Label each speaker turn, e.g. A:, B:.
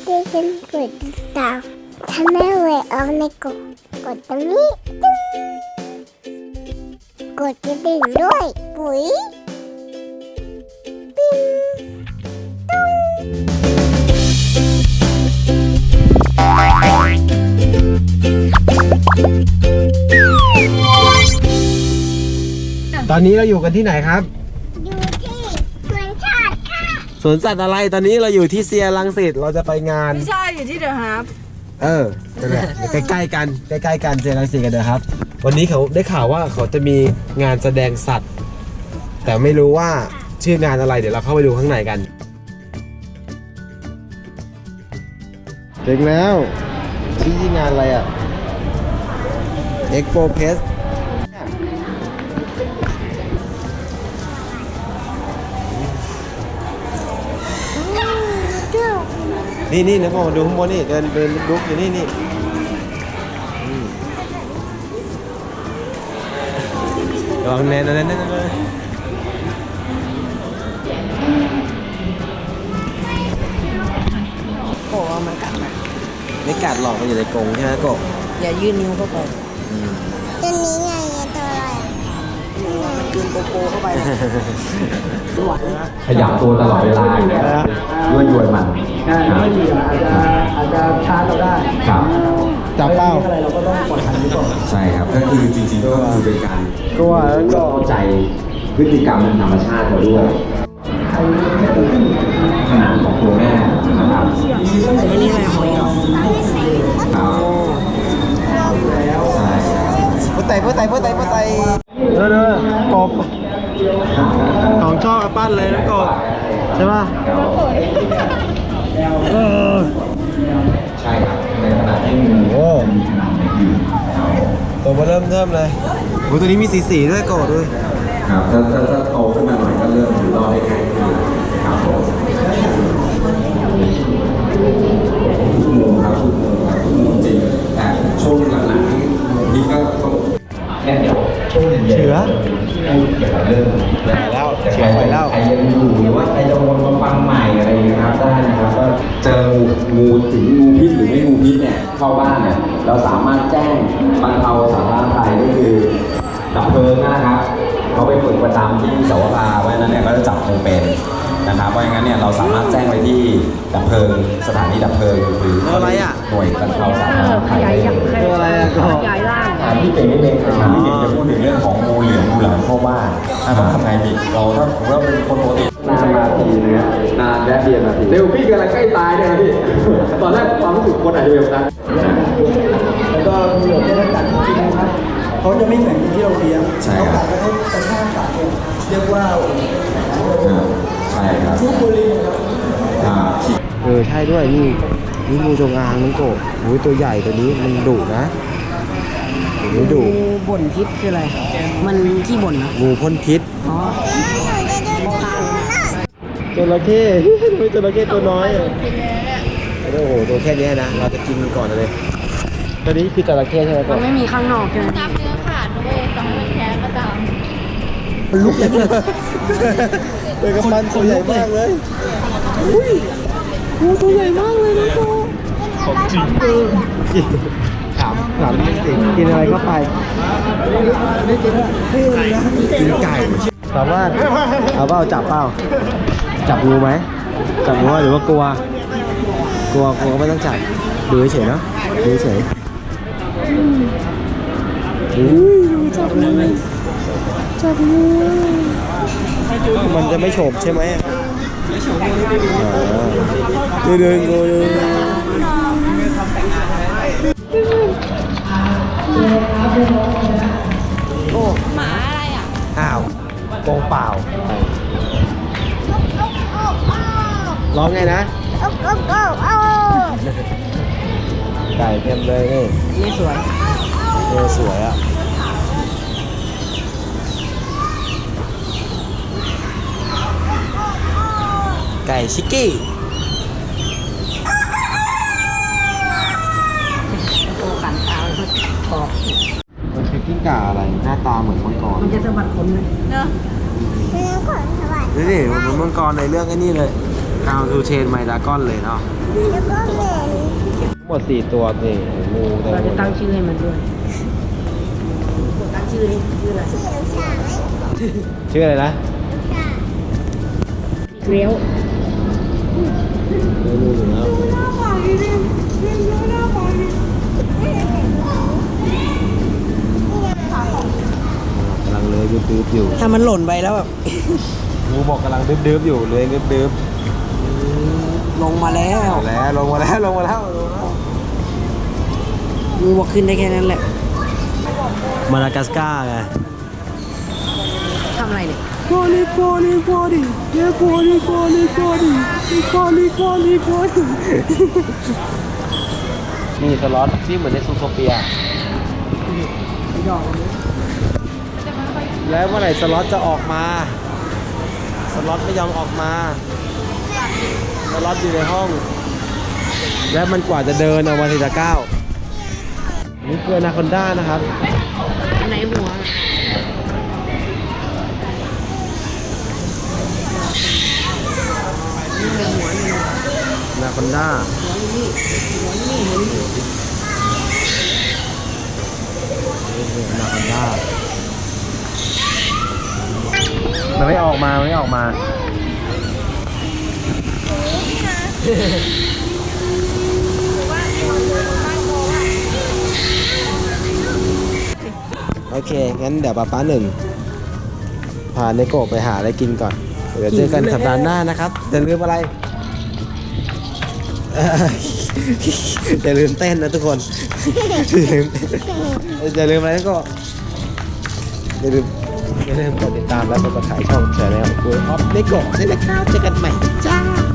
A: ช่วยกันกดติดตามช่องแม่เวยออฟในกดตรงนี้ตึ้งกดกระดิ่งด้วยปุ๋ยปิ้ง
B: ตอนนี้เราอยู่กันที่ไหนครับ
A: อยู่ที่สวนสัตว์ค่ะ
B: สวนสัตว์อะไรตอนนี้เราอยู่ที่เซียรังสิตเราจะไปงาน
C: ไม่ใช่อยู่ที่เดอะฮาร์ฟ
B: นั่นแหละใกล้ๆกันใกล้ๆกันเซียรังสิตกันเด้อครับวันนี้เขาได้ข่าวว่าเขาจะมีงานแสดงสัตว์ แต่ไม่รู้ว่าชื่องานอะไรเดี๋ยวเราเข้าไปดูข้างในกันถึงแล้วชื่องานอะไรอ่ะ Expo Fest นี่นะพ่อมาดูข้างบนนี่เดินลุกอยู่นี่ลองแน่น
C: โอ้เอามันกัดนะ
B: ไม่กัดหรอกมันอยู่ในกรงใช่ไหมกบ
C: อย่ายื่นนิ้วเข้าไป
A: ตัวนี้ไงตัวอะไร
C: มันกินโกโก้เข้าไปนะหวาน
D: ขยับตัวตลอดเวลาอยู่แล้วด้วยยวนมัน
E: ใช่ไม่ดีอาจจะชาร์จเราได้
D: ครับ
B: จับเป้า
E: อะไรเราก็ต้องปล่อยหันดีกว่า
D: ใช่ครับก็คือจริงๆก็คือเป็นการ
B: กลัวแล้วก็
D: เข้าใจพฤติกรรมธรรมชาติเราด้วยขนาดของตัวแม่นะครับ
C: ไอ้นี่อะไรหอยเหรอ
D: ครับใช่ครับ
B: พุทไตเด้อกบของชอบอาปั้นเลยนะกบใช่ป่ะ
D: ใช่ครับในขณะที่งู
B: โอ้ตัวมาเริ่มเลยโอ้ตัวนี้มีสีด้วยกบด้วย
D: ครับถ้าโตขึ้นมาหน่อยก็เริ่มอยู่รอดได้ง่ายขึ้นครับผมทุกมุมครับทุกมุมจริงแต่ช่วงหลังๆนี่ก็ต้องแค่เดี๋ยวช่วงเย็นๆ
B: เชื้อ
D: พูดเกี่ยวกับเรื่อง
B: แล้วเชื้อไปแล้ว
D: ใครยังอยู่หรือว่าใครจะวนมาฟังใหม่อะไรอย่างเงี้ยครับได้นะครับก็เจองูถึงงูพิษหรือไม่งูพิษเนี่ยเข้าบ้านเนี่ยเราสามารถแจ้งบรรเทาสาธารณภัยก็คือดับเพลิงนะครับเขาไปฝึกประจำที่สวภาไว้นั้นเนี่ยก็จะจับงูเป็นนะครับเพราะอย่างนั้นเนี่ยเราสามารถแจ้งไปที่ดับเพลิงสถานีดับเพลิงหรือ
B: อะไรอ่ะ
D: หน่วยบรรเทาสาธารณภัยได้เลย
B: ตัวอะไรอ่ะกบ
C: ใหญ่ล่าง
D: พี่เก่งนิดนึงพี่เก่งจะพูดถึงเรื่องของงูเหลือมงูหลามเข้าบ้านต้องทำไงดีเราถ้าผมว่าเป็นคนปกตินานนาทีนะนานแค่เดียวนาทีเร็วพี่กำลังใกล้ตายเนี่ยพี่ตอนแรกความรู้สึกคนอาจจะแบบนั้น
E: แล้วก็มีหลบได้กัดจริงๆนะครับเขาจะไม่เหมือนที่เราเลี้ยง
D: ใช่
E: เขา
D: ครั
E: กับ ดแล้วเขากระชากกัดเนี่ยเรียกว่า
D: ใช่ครับ
E: ทุกบุรีครับ
B: ใช่ด้วยนี่งูจงอางน้องกบโอ้ยตัวใหญ่ตัวนี้มันดุนะมันดุ
C: งูบ่นพิษคืออะไร มันขี้บ่นนะ
B: งูพ่นพิษ
C: อ๋อ
B: จระเข้ไม่จระเข้ตัวน้อยโอ้โหตัวแค่นี้นะเราจะกินมันก่อนเลยตัวนี้คือจระเข้ใช่ไหมก
C: มัน
B: บ
C: ไม่มีข้างนอกใช่ไหม
F: น้ำเนื้อขาดด้วยต่อให้มันแท้ก็ตาม
B: ลุกเลยเป็นกระปันตัวใหญ่มากเลยอุ้ยงูตัวใหญ่มากเลยนะโตของจริงถามจริงกินอะไรเข้าไปกินไก่ถามว่าเอาเปล่าจับเปล่าจับงูไหมจับงูหรือว่ากลัวก็ไม่ต้องจับดูเฉยๆเนาะดูเฉยจับงูมันจะไม่โฉบใช่ไหมไม่โฉบเดินงูโอ้
F: หมาอะไรอ่ะ
B: อ้าวกองเปล่าร้องไงนะไก่เต็มเลยนี่
C: นี่สวย
B: สวยอ่ะไก่ชิกกี้
C: ตัวขันตาแล้วก็ปอก
B: มันคือกิ้งก่าอะไรหน้าตาเหมือนมังกร
C: มันจะสะบัดขนเลย
F: เนอะ
B: นี่ดิเหมือนมังกรในเรื่องไอ้นี่เลย How to Train My Dragon เลยเนาะ
A: แล้วก็เหมือน
B: ทั้งหมด4ตัวนี่งูแต่
C: เราจะตั้งชื่อให้มันด้วยตั้งชื่อนี่ชื่ออะไร
A: เขียวฉาย
B: ชื่ออะไรนะ
C: เกลียว
B: ไม่รู้อยู่แล้วกำลังเลื้อยดื้อๆอยู่
C: ถ้ามันหล่นไปแล้วแบบ
B: งูบอกกำลังดื้อๆอยู่เลื้อยดื้อ
C: ลงมาแล้ว
B: ๆแล้วลงมาแล้วลงมาแล้ว
C: มือบอกขึ้นได้แค่นั้นแหละ
B: มาดากัสการ์ไง
C: ทำอะไรเนี่ย
B: โกลีโกลีโกลีเย้โกลีโกลีโกลีโกลีโกลีโกลีนี่สล็อตที่เหมือนในซูโทเปียแล้วเมื่อไหร่สล็อตจะออกมา สล็อตไม่ยอมออกมา สล็อตอยู่ในห้อง และมันกว่าจะเดินออกมาทีละก้าวนี่คืออนาคอนด้านะครับ
C: อันไหนหัว
B: อนาคอนด้านี่คืออนาคอนด้ามันไม่ออกมามันไม่ออกมา โอเค งั้นเดี๋ยวป๊าหนึ่งพาเนโกะไปหาอะไรกินก่อน เดี๋ยวเจอกันสัปดาห์หน้านะครับอย่าลืมอะไร อย่าลืมเต้นนะทุกคน อย่าลืมอะไรก็อย่าลืมกดติดตามและกดติดตามช่องแชร์แนลกูออฟเนโกะด้วยนะครับเจอกันใหม่จ้า